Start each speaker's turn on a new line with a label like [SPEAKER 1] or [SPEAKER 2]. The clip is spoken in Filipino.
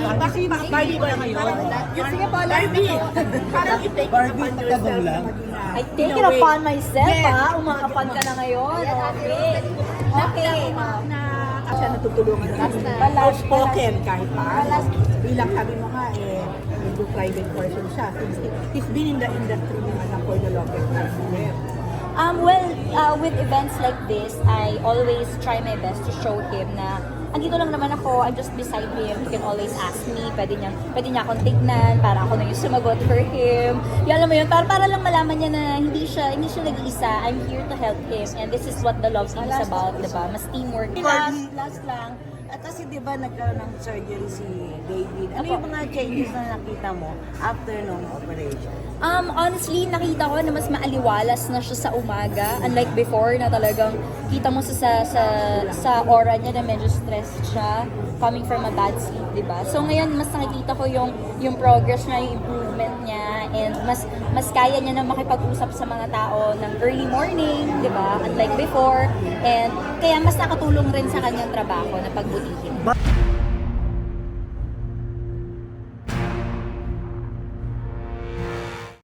[SPEAKER 1] Bakit Barbie ba ngayon?
[SPEAKER 2] Sige po, last
[SPEAKER 1] Barbie!
[SPEAKER 2] na po.
[SPEAKER 1] Parang i-take it
[SPEAKER 3] Barbie,
[SPEAKER 1] upon yourself
[SPEAKER 3] tatabang lang.
[SPEAKER 1] na maging
[SPEAKER 2] I take it upon myself,
[SPEAKER 1] Yes.
[SPEAKER 2] ha? Umaapan ka na ngayon. Okay. Okay.
[SPEAKER 1] na siya natutulungan natin. Outspoken kahit pa. Bilang sabi mo nga, medyo private person siya. Since he's been in the industry naman for the longest time.
[SPEAKER 2] With events like this, I always try my best to show him na andito lang naman ako, I'm just beside him. He can always ask me, pwede niya akong tignan, para ako na yung sumagot for him. Yan, alam mo yun, para lang malaman niya na hindi siya nag-iisa. I'm here to help him, and this is what the love team is about, diba? Mas teamwork.
[SPEAKER 4] Last lang, at kasi di ba nagkaroon ng surgery si David? Ano yung mga changes na nakita mo after nung operation?
[SPEAKER 2] Honestly, nakita ko na mas maaliwalas na siya sa umaga. Unlike before na talagang kita mo sa aura niya na medyo stressed siya coming from a bad sleep, di ba? So ngayon, mas nakikita ko yung progress niya, yung improvement niya, and mas kaya niya na makipag-usap sa mga tao ng early morning, di ba? Unlike before. And kaya mas nakatulong rin sa kanyang trabaho na pagbutihin.